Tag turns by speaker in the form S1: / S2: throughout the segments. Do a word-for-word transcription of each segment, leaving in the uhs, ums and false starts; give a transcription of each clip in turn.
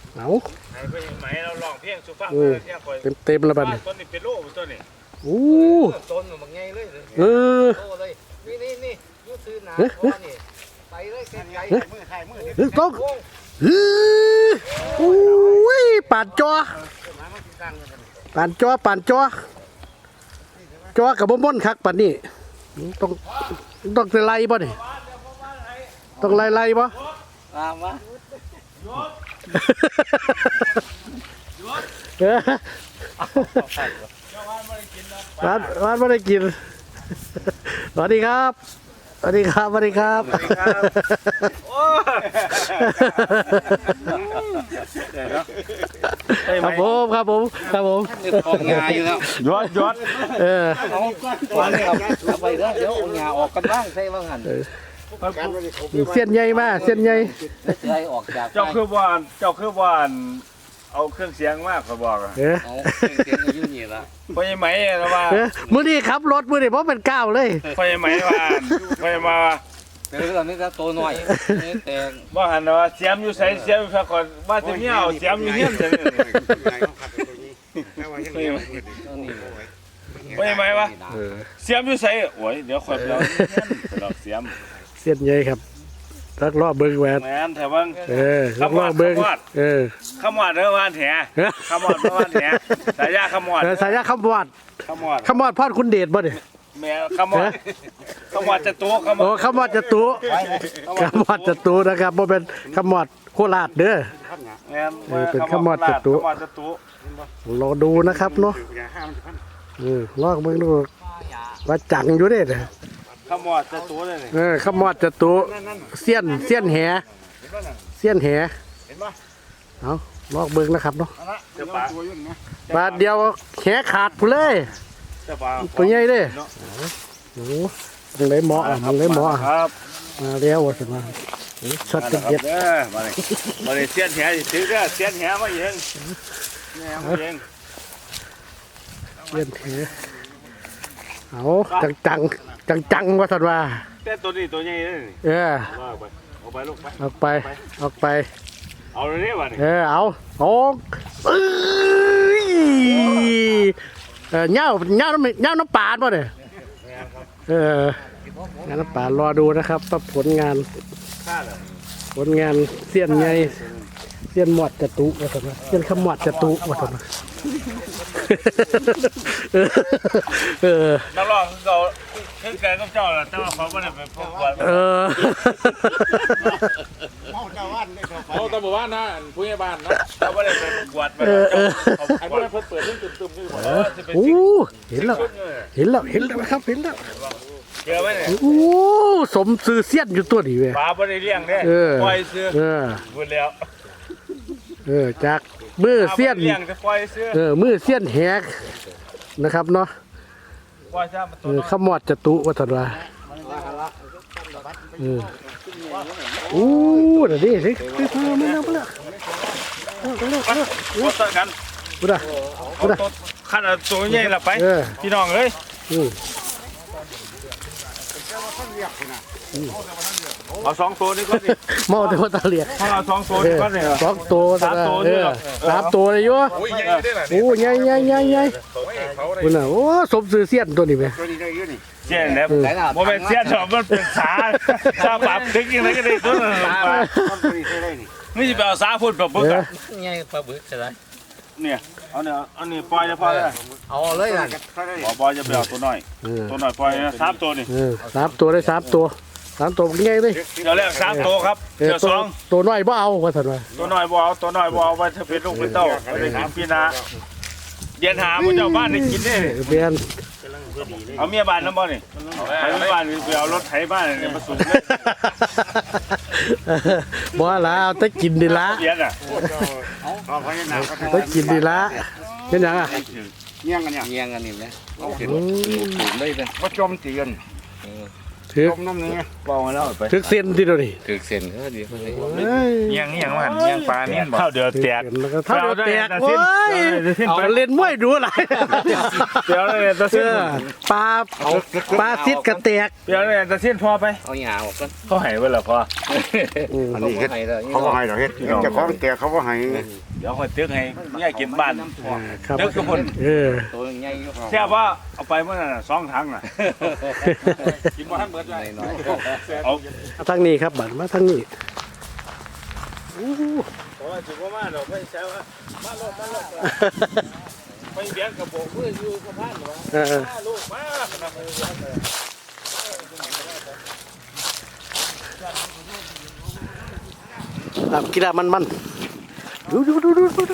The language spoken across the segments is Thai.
S1: เอา
S2: ไหมเราลองเพียงสุภาพ
S1: เต็มเต็มแล้วบัดนี้
S2: ต้นนี้เป็นโล่ต้นนี้
S1: โอ้
S3: ต้นมันง่ายเลย
S1: เออ
S3: เลยนี่นี่นี่ยูซื้อหนาเพราะนี่ไปเลยไกลๆมือไทยมือ
S1: เฮ้ยกล้องเฮ้ยโอ้ยปานจอปานจอปานจอจอกับบ่ม่นคักปานนี้ต้องต้องไล่บ่นี่ต้องไล่ไล่บ่
S3: ตามวะ
S1: ร้านร้านไม่ได้กินสวัสดีครับสวัสดีครับสวัสดีครับครับผมครับผมครับผม
S3: ของงาอยู่แล้ว
S2: ยอดยอด
S1: เออ
S3: เอาก่อนเอาไปแล้วเดี๋ยวเอางาออกกันบ้างใช่ว่างั้น
S1: เส้นใหญ่มากเส้นใหญ่
S3: ใช่ออกจาก
S2: เจ้าคือว่านเจ้าคือว่านเอาเครื่องเสียงมากเขาบอกอ่ะ
S3: เอาเครื่องเสียงยืนนี่ละ
S2: ไฟไหมนะว่า
S1: มื้อนี้ขับรถมื้อนี้เพราะเป็นก้าวเลย
S2: ไฟไหมว่าไฟมา
S3: เดี๋ยวเราไม่ก็โตหน่อยแต่
S2: ว่าหันว่าเสียมอยู่ใส่เสียมอยู่ก่อนว่าจะเงี้ยวเสียมอยู่เงี้ยจะไฟไหมวะเสียมอยู่ใส่โอ้ยเดี๋ยวคอยไปเอาเสียม
S1: เส้นใหญ่ครับลักลอบเบิ้งแหวน
S2: แหวนแต่ว่า
S1: เออลักลอบเบิ้งเออ
S2: ขมวดเรื่องวานแหขมวดเรื่องวานแหสายยาขมวด
S1: สายยาขมวด
S2: ขมวด
S1: ขมวดพอดคุณเดชบ่เนี่ย
S2: แม่ขมวดขมวดจะตัวขมวด
S1: โอ้ขมวดจะตัวขมวดจะตัวนะครับบ่เป็นขมวดโคราชเด้อเป็นขมวดจะตัวรอดูนะครับเนาะเออลอกเบิ้งดูว่าจังอยู่เด้อ
S2: ขมวดจะตัวเลย
S1: เออขมวดจะตัวเสี้ยนเสี้ยนแหเสี้ยนแหเอาลอกเบิ้งนะครับเนาะบาทเดียวแหขาดผู้เลยตัวใหญ่เลยโอ้มึงเลยหมอมึงเลยหมอมาเลี้ยวสิมาช็อตเด็ด
S2: มาเลยมาเลยเสี้ยนแหถือเด้อเสี้ยนแหมาเองแหมาเอง
S1: เสี้ยนแหเอาจังจังจังจังว่าสัตว์ว่า
S2: แต่ตัวนี้ตัวใหญ่เลย
S1: เออ
S2: เอาไปลูกไป
S1: ออกไปออกไป
S2: เอาเลยนี่วะนี่
S1: เออเอาโอ้เอ้ยเออเน่าเน่าน้ำเน่าน้ำปลาป่ะเนี่ยเอองานน้ำปลารอดูนะครับว่าผลงานผลงานเสี้ยนไงเสี้ยนหมวดจตุว่าสัตว์เสี้ยนขมวดจตุว่าสัตว์
S2: เออนักร้องเขาคือแกก็เจ้าแหละแต่ว่าเขาไม่ได้ไปพบกัน
S1: เออ
S2: เมาเจ้าบ้านได้เขาเขาตำรวจบ้านนะผู้ใหญ่บ้านนะเขาไม่ได้ไปกวาดไปไอ้พวกนั้นเพิ่งเปิดเพิ่งตื่นตื่นนี่หมด
S1: โอ้เห็นแล้วเห็นแล้วเห็นแล้วครับเห็นแล้ว
S2: เจอไหมเนี่ย
S1: โอ้สมซื้อเสี้ยนอยู่ตัวนี้เว้ย
S2: ปลาไม่ได้เลี้ยงเนี่ยปล่อยซื้อพูดแล้ว
S1: เออจากมือเสี้ยนเออมือเสี้ยนแหกนะครับเนาะเออขมวดจตุวัฒนาเออโอ้เดี๋ยวนี้สิไปพาไม่เอาไปละ
S2: เอาไปเลยเอาไปกัน
S1: พูดอะพูดอะ
S2: ขันตัวใหญ่ละไปพี่น้องเลยเอาสองตัวนี่ก็ดิ
S1: เมาแต่ว่าตาเหลียก
S2: เอาสองตัวนี่ก็ดิ
S1: สองตัวสามตัวเออสามตัวเลยโย่โอ้ใหญ่ใหญ่ใหญ่ใหญ่คุณน่ะโอ้สมซื้อเสี้ยนตัวนี้ไหม
S2: เสี้ยนเนี่ยโมเป็นเสี้ยนหรอกมันเป็นสาสาปรับถึงยังไงก็ได้ตัวนั้นนี่จะไปเอาสาพูดแบบบึกอ่ะ
S3: ไงปลาบึกใช่ไหม
S2: เนี่ยเอาเนี่ยเอาเนี่ยปล่อยจะพอเลย
S3: เอาเลยนะ
S2: ปล่อยจะไปเอาตัวน้อยตัวน้อยปล่อยสามตัวนี่
S1: สามตัวได้สามตัวสามตัวเป็นไงเลย
S2: เดี๋ยวแรกสามตัวครับเดี๋ยวสอง
S1: ตัวน้อยบ่เอาว่าสันว่า
S2: ตัวน้อยบ่เอาตัวน้อยบ่เอาไว้ถ้าเป็นลูกเป็นเต้าไปได้กินพี่นาเดียนหาผู้เจ้าบ้านได้กินได้
S1: เบียน
S2: เอาเมียบ้านน้ำบ่นี่เอาเมียบ้านไปเอารถไถบ้านเนี่ยมาสูงเลย
S1: บ่ละเอาแต่กินดีละ
S2: เดียนอ่ะ
S1: แต่กินดีละเป็นยังอ่ะ
S3: เงี้ยงกันเนี่ยเงี้ยงกันนี่ไหมเอาเห็นถูกเลยเป็น
S2: ว่าจมเตียน
S1: ถือ
S4: ต้มน้ำนี่
S2: เบามาแล้วไป
S1: ถือเส้นที่เดียวนี่
S4: ถึกเส้นก็ดี
S1: เอ้ย
S2: เงี้ยงเงี้ยงหันเงี้ยงปลานี่เท่าเดือดแตก
S1: แล้วก็เท่าเดียวแตก
S2: เอา
S1: โอ้ย
S2: เอาเอา
S1: เอาเล่นมวยดูอะไร
S2: เดี๋ยวเลยตะ
S1: เอ
S2: เส้น
S1: อปลาปลาซิดกระแตก
S2: เดี๋ยวเลยตะเส้นพอไป
S4: เอาหยาออกกัน
S2: เขาให้ไว้แล้วพอ
S4: อันนี้เฮ็ดเขาก็ให้ดอกเฮ็ดเจ้าของแต่เขาก็ให้
S2: เดี๋ยวคอยตึกให้เนี่ยกินบ้าน
S1: ครับ
S2: ตึกทุกคน
S1: เออ
S4: ตัวใหญ่อยู่
S2: แค่ว่าเอาไปเมื่อนั้นสองถังน่ะกินมาทันเบิดเลย
S4: น้อย
S2: เอา
S1: มาทางนี้ครับบัดมาทางนี้อู้
S2: เพราะว่าถือว่ามาเราไม่ใช่ว่ามาลดมาลดไม่เบี้ยกระโปงเพื่ออยู่กับบ้านหรอ
S1: เออ
S2: มาลูกมาขนาดนี้
S1: ครับกีฬามันมันดูดูดูดูดูดู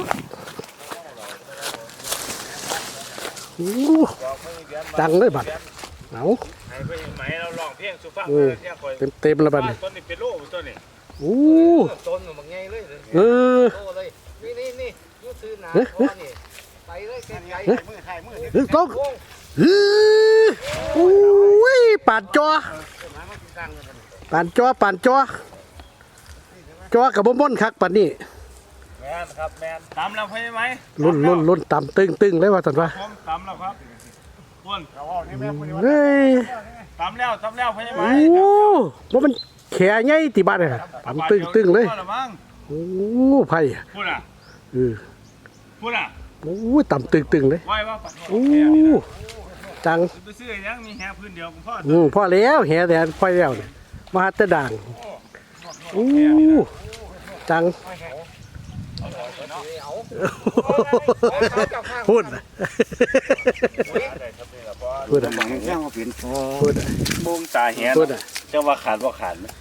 S1: อู้ดังเลยบัดเอา
S2: ให้ไปไหมเราลองเพียงสุภาพ
S1: เออ
S2: เนี่ยคอย
S1: เต็มเต็มแล้วบัด
S2: ต้นนี้เป็นโลต้นนี้
S1: อู้
S3: ต้นมันง่ายเลย
S1: เออ
S3: โตเลยนี่นี่นี่ยูซื้อหนา
S1: เอ๊ะ
S3: พ่อนี่ไปเลยไกลๆมือไทยมือ
S1: เฮ้ยต้องเฮ้ยอุ้ยปานจอปานจอปานจอจอกับบ่ม่อนคักปานนี้
S2: แมนครับแมนตามเราใช่ไหม
S1: รุ่นรุ่นรุ่นต่ำตึงตึงเลยว่าสันว่า
S2: ผมตามเราครับคุณ
S1: เฮ้ย
S2: ตามแล้วตามแล้วใช่ไหม
S1: โอ้ว่ามันแข็ใหญ่ติบ้านเลยต่ำตึงตึงเลยโอ้ไผ่
S2: พูดอ่ะ
S1: เออ
S2: พูดอ่ะ
S1: โอ้ต่ำตึงตึงเลย
S2: ไหวว่าปัด
S1: โอ้จัง
S2: ไปซื้อยังมีแฮพื้นเดียวคุณพ่อ
S1: อืมพอแล้วแห่แต่พอแล้วเนี่ยมาหาแต่ด่างโอ้จังพูดน่ะพูดอ่ะ
S4: แค่ว่าเปลี่ยน
S1: พูดอ่ะ
S2: มุงตาเหี้ย
S1: พูดอ่ะ
S2: จะว่าขาดว่าขาดไหม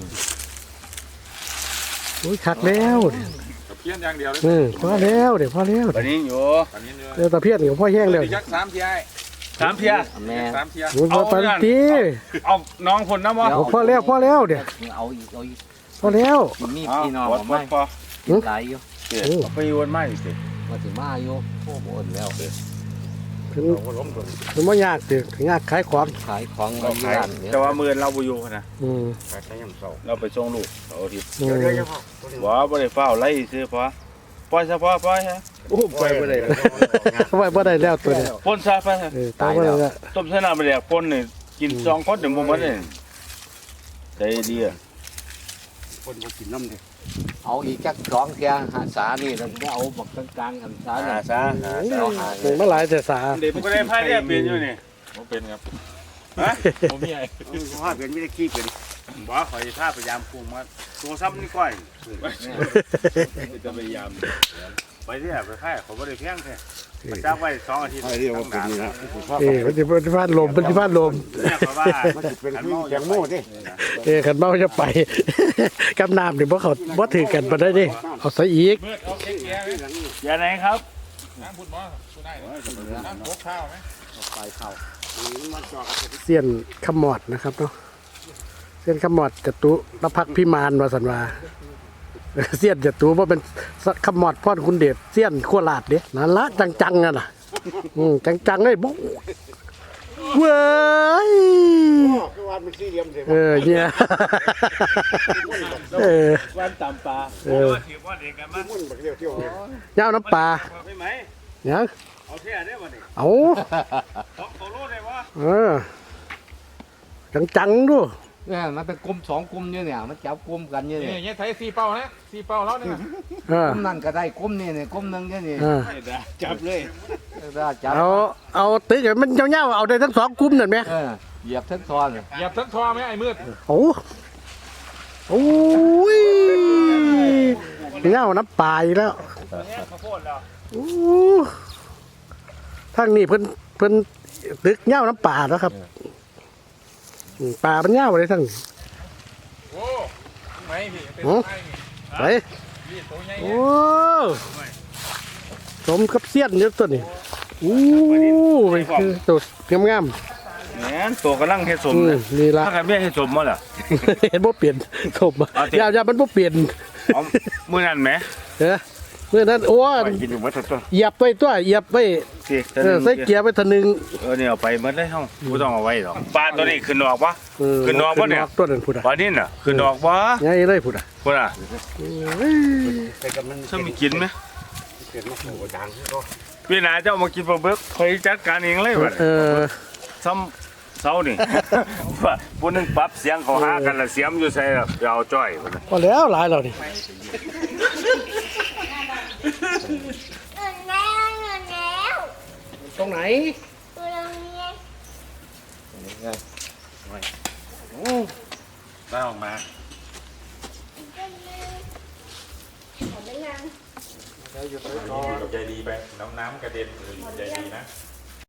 S1: โอ้ยคักแล้วเนี่ย
S5: เพี้ยนอย่างเดียวเลย
S1: เออพอแล้วเดี๋ยวพอแล้ว
S2: วันนี้อยู่
S5: อันนี้เนี่ย
S1: เดี๋ยวตะเพียนเดี๋ยวพ่อแห้งแล้ว
S5: ยักษ์สามเทีย
S2: สามเพีย
S4: แม่
S5: สามเทีย
S1: โอ้ยพอปันตี
S2: เอาน้องคนนะวะ
S1: เอาพอแล้วพอแล้วเดี๋ยว
S4: เอาอีกเอาอีก
S1: พอแล้ว
S4: มีพี่น้อง
S2: วัด
S4: ไม่
S2: พอ
S4: หลายอยู่
S1: โอ้
S2: ไปวนไม่สิ
S4: มาถึงมาอยู่โอ้โหแล้ว
S1: ถึงถึงว่ายากถึงยากขายของ
S4: ขายของมาอยู่ร้านเนี่ย
S2: แต่ว่ามือเราบุยูนะ
S1: อืม
S4: ใช้ยำเสา
S2: เราไปส่งลูกเอาทิตย์
S1: อืม
S2: บ่บ่ได้เฝ้าไล่ซื้อพอปล่อยซะพอปล่อยฮะ
S1: โอ้ไปบ่ได้ไว้บ่ได้แล้วตัวเนี้
S2: ปนซะไป
S1: เออตายบ่ได้แล้ว
S2: ต้มชนะไปแล้วปนนี่กินสองคนเดี๋ยวบ่มันนี่ใจดีอ่ะ
S4: คนมากินน้ำดิเอาอีกจักสองเทียหาสานี่เราจะเอาบักกลางๆกันสา
S2: หาซะหาซะ
S1: ถึงมาหลายแต่สา
S2: เด็กบ่ได้พายเนี่ยเป็นอยู่นี่
S5: ผมเป็นครับ
S2: ฮะบ่มีไอ้
S4: ว่าเป็นไม่ได้ขี้เป็น
S2: บ่ขอยพาพยายามปรุงมาตัวซ้ำนี่ก้อยจะพยายามไปเรื่อยไปค่ายเขาบ่ได้เพียงแท้มันจักไว้สองอาทิตย์
S4: ไอ้เรียกว่าเป็นนี่นะ
S1: เออมันสิมันสิพาดลมมันสิพาดลม
S2: เนี่ยเพราะว่า
S4: มันจะเป็นขี้แตงโมดิ
S1: เออคันเมาจะไป กับน้ำนี่บ่เขาบ่ถือกันบ่ได้เด้เอาใส่อีก
S5: เมื่อเอาเค้กแย่ไหม
S2: อย่าไหนครับ
S5: น้ำพุดมอสุได้น้ำพกข้าวไหม
S4: ไปเข้า
S1: เสี้ยนขมอดนะครับเนาะเสี้ยนขมอดจตุรพักษ์พิมานว่าสันว่า เสี้ยนจตุว่าเป็นขมอดพ่อนคุณเดชเสี้ยนโคราชเด้นั่นละจังๆอ่ะน่ะอืมจังๆเลยบุ๊เว้ย
S4: คือวันเป็นสี่เหลี่ยมเสีย
S1: เออเนี่ย เออ
S2: วันตำปลา
S1: เออ
S2: ถือว่าเด็กกันมัน
S4: มุ่นแบบเดียวเที่ยวเลย
S1: ยาวน้ำปลา
S2: ไปไหม
S1: เนี่ย
S2: เอาเท่าได้บ่นี่
S1: เอา
S2: สองตัวโลได้วะ
S1: เออจังๆดู
S4: เนี่ยมันเป็นกลุ่มสองกลุ่มเนี่ยเนี่ยมันจับกลุ่มกันเนี่ย
S5: นี่
S4: เนี่ย
S5: เนี่ยไทยสี่เป้านะสี่เป้าแล้วเนี่ย
S1: เออก
S4: ลุ่มนั่นก็ได้กลุ่มนี่เนี่ยกลุ่มหนึงเนี่ยนี่
S1: เออ
S2: จับเลย
S4: ได้จับ
S1: เอาเอาตึกให้มันยาวๆเอาได้ทั้งสองกลุ่มนั่นไหม
S4: เออเหยียบทั้งซ้อนเลย
S5: เหยียบทั้งทอไหมไอ้มืด
S1: โอ้โอ้ยเงาน้ำปลาอีกแล้ว
S2: เนี่ยข้าวโพดแล้ว
S1: โอ้ทางนี้เพิ่นเพิ่นตึกเงาน้ำปลาแล้วครับอืมปลามันเงาเลยทั้งนี้
S5: โอ้ไม่พี่เป็น
S1: หือ
S5: ไงนี่
S1: ไป
S5: พี่ตัวใหญ่
S1: โอ้สมกับเสี้ยนเยอะตัวนี้โอ้ยคือตัวงาม
S2: เนี่ยตัวกำลังเฮ็ดส
S1: ๆ
S2: ม
S1: อืม
S2: เลย
S1: นี่ละ
S2: ถ้าใครไม่เฮ็ดสมมาล่ะ
S1: เห็นบ่เปลี่ยนสม
S2: เอาสิ
S1: ยาวๆมันบ่เปลี่ยน
S2: เอามื้อนั้นแหม
S1: เออมื่อนั้นโอ้
S2: ไปกินอยู่หมดทุกตัว
S1: เหยียบไปตัวเหยียบไป
S2: สิ
S1: เออใส่เกียร์ไปทะนึง
S2: เออเนี่ยเอาไปหมดเลยเฮาบ่ต้องเอาไว้หรอกปลาตัวนี้ขึ้นออกปะ
S1: เออ
S2: ขึ้นนอกปะเนี่ย
S1: ขึ้ตัวนั้นพุ่นอ่ะ
S2: ปลานี่น่ะขึ้นออกปะ
S1: ไงเลยพุ่นอ่ะ
S2: พุ่นอ่ะ
S1: เอ้ย
S2: ถ้ามีกินไหม
S4: เกิดมาโหดังก็
S2: พี่นาเจ้ามากินปลาเบิกคอยจัดการเองเลยบัด
S1: เออ
S2: ซ้ำเสานี่ ผู้หนึงปรับเสียงเขาหากันละเสียมอยู่ใส่ละไปเอาจ้อยพุ่นน่ะ
S1: พอแล้วหลายแล้วนี่
S6: เงินแล้วเงินแล้ว
S1: ตรงไหน
S6: ตัวเราเนี่ย
S5: ได้ออกมา
S6: ขอได้ยัง
S5: ใจดีไปน้ำน้ำกระเด็นเลยใจดีนะ